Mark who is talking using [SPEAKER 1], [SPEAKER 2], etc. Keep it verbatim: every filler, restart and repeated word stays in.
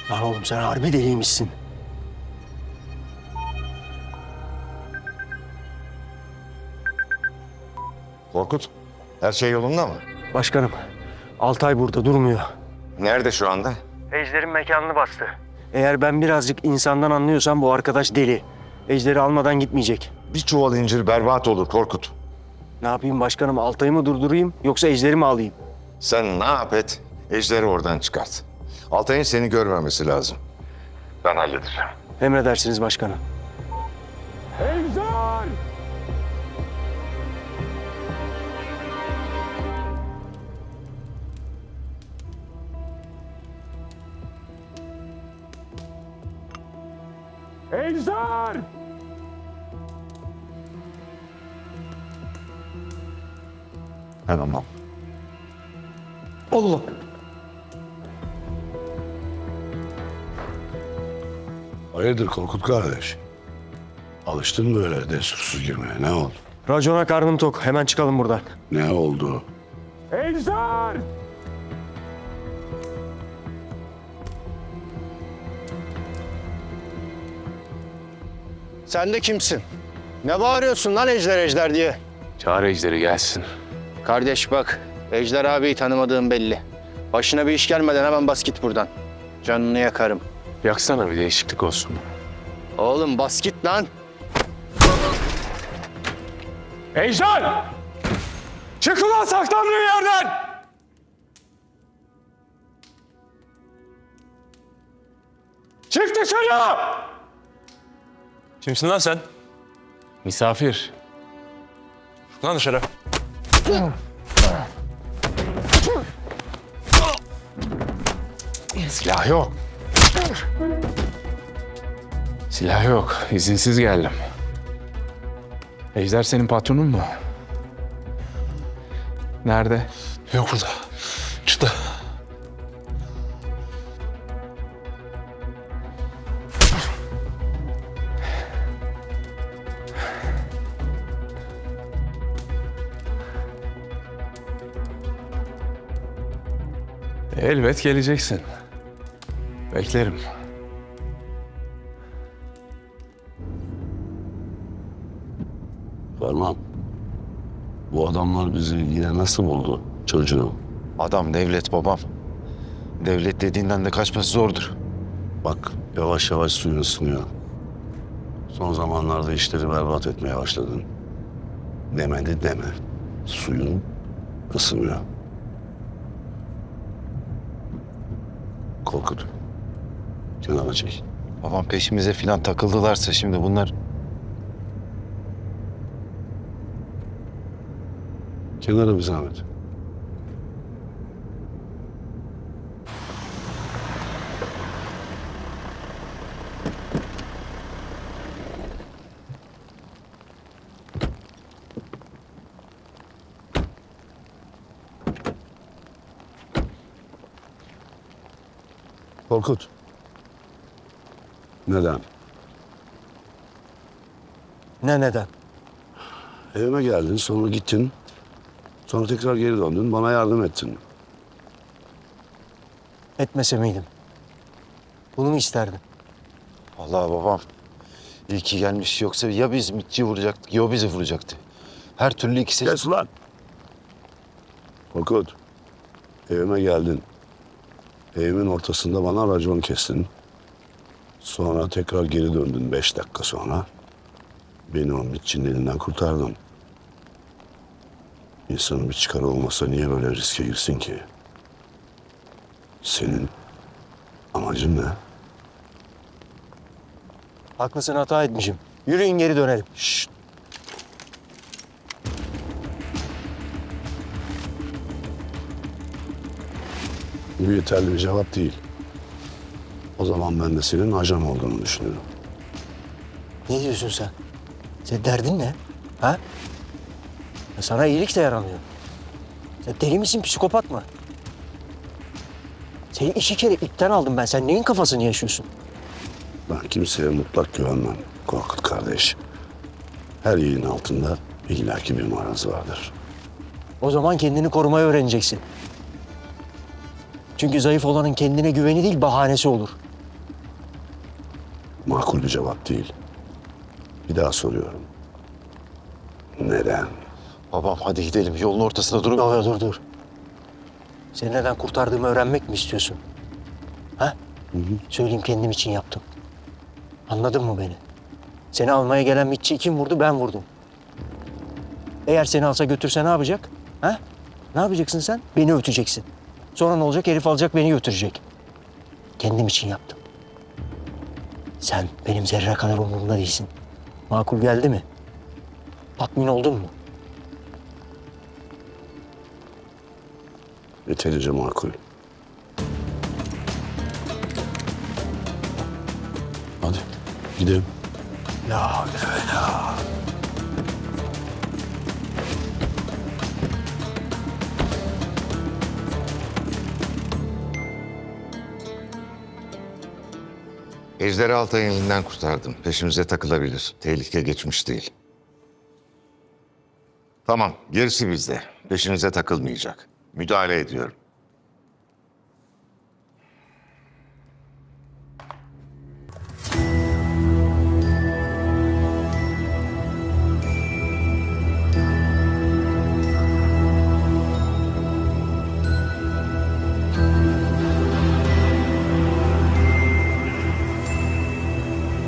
[SPEAKER 1] Lan oğlum sen harbi deliymişsin.
[SPEAKER 2] Korkut, her şey yolunda mı?
[SPEAKER 1] Başkanım, Altay burada durmuyor.
[SPEAKER 2] Nerede şu anda?
[SPEAKER 1] Ejder'in mekanını bastı. Eğer ben birazcık insandan anlıyorsam bu arkadaş deli. Ejder'i almadan gitmeyecek.
[SPEAKER 2] Bir çuval incir berbat olur Korkut.
[SPEAKER 1] Ne yapayım başkanım, Altay'ı mı durdurayım yoksa Ejder'i mi alayım?
[SPEAKER 2] Sen ne yap et, Ejder'i oradan çıkart. Altay'ın seni görmemesi lazım. Ben halledeceğim.
[SPEAKER 1] Emredersiniz başkanım.
[SPEAKER 3] Ejder! Ejder!
[SPEAKER 2] Hemen al.
[SPEAKER 1] Allah!
[SPEAKER 4] Hayırdır Korkut kardeş? Alıştın mı böyle destursuz girmeye? Ne oldu?
[SPEAKER 1] Racona karnım tok. Hemen çıkalım buradan.
[SPEAKER 4] Ne oldu?
[SPEAKER 3] Ejder!
[SPEAKER 5] Sen de kimsin? Ne bağırıyorsun lan Ejder Ejder diye?
[SPEAKER 6] Çağır Ejder'i gelsin.
[SPEAKER 5] Kardeş bak, Ejder abiyi tanımadığım belli. Başına bir iş gelmeden hemen bas git buradan. Canını yakarım.
[SPEAKER 6] Yaksana bir değişiklik olsun.
[SPEAKER 5] Oğlum bas git lan.
[SPEAKER 3] Ejder! Çık ulan saklandığın yerden! Çık dışarı!
[SPEAKER 6] Kimsin lan sen? Misafir. Çık lan dışarı. Silah yok. Silah yok. İzinsiz geldim. Ejder senin patronun mu? Nerede?
[SPEAKER 4] Yok burada. Çıktı.
[SPEAKER 6] Elbet geleceksin. Beklerim.
[SPEAKER 4] Ferman. Bu adamlar bizi yine nasıl buldu çocuğum?
[SPEAKER 2] Adam devlet babam. Devlet dediğinden de kaçması zordur.
[SPEAKER 4] Bak yavaş yavaş suyun ısınıyor. Son zamanlarda işleri berbat etmeye başladın. Demedi deme. Suyun ısınıyor. Korkut. Kenara çek.
[SPEAKER 2] Babam peşimize filan takıldılarsa şimdi bunlar...
[SPEAKER 4] Kenara bir zahmet. Korkut. Neden?
[SPEAKER 1] Ne neden?
[SPEAKER 4] Evime geldin, sonra gittin. Sonra tekrar geri döndün, bana yardım ettin.
[SPEAKER 1] Etmese miydim? Bunu mu isterdin?
[SPEAKER 2] Vallahi babam iyi ki gelmiş, yoksa ya biz mitçi vuracaktık ya o bizi vuracaktı. Her türlü ikisi...
[SPEAKER 4] Kes ulan! Korkut, evime geldin. Evimin ortasında bana racon kestin. Sonra tekrar geri döndün beş dakika sonra. Beni o mitçinin elinden kurtardın. İnsanın bir çıkarı olmasa niye böyle riske girsin ki? Senin amacın ne?
[SPEAKER 1] Haklısın, hata etmişim. Yürüyün geri dönelim.
[SPEAKER 4] Şşt! Bu yeterli bir cevap değil. O zaman ben de senin ajan olduğunu düşünüyorum.
[SPEAKER 1] Ne diyorsun sen? Senin derdin ne? Ha? Ya sana iyilik de yaramıyor. Sen deli misin, psikopat mı? Seni iki kere ipten aldım ben. Sen neyin kafasını yaşıyorsun?
[SPEAKER 4] Ben kimseye mutlak güvenmem Korkut kardeş. Her yiğin altında illaki bir maraz vardır.
[SPEAKER 1] O zaman kendini korumayı öğreneceksin. Çünkü zayıf olanın kendine güveni değil, bahanesi olur.
[SPEAKER 4] makul bir cevap değil. Bir daha soruyorum. Neden?
[SPEAKER 2] Babam hadi gidelim. Yolun ortasında durup...
[SPEAKER 1] Dur dur dur. Seni neden kurtardığımı öğrenmek mi istiyorsun? Ha? Söyleyeyim, kendim için yaptım. Anladın mı beni? Seni almaya gelen mitçiyi kim vurdu? Ben vurdum. Eğer seni alsa götürse ne yapacak? Ha? Ne yapacaksın sen? Beni öteceksin. Sonra ne olacak? Herif alacak, beni götürecek. Kendim için yaptım. Sen benim zerre kadar umurumda değilsin. Makul geldi mi? Tatmin oldun mu?
[SPEAKER 4] Yeterince makul. Hadi gidelim.
[SPEAKER 1] La havle ve la.
[SPEAKER 7] Ejder'i Altay'ın elinden kurtardım. Peşimize takılabilir. Tehlike geçmiş değil. Tamam, gerisi bizde. Peşinize takılmayacak. Müdahale ediyorum.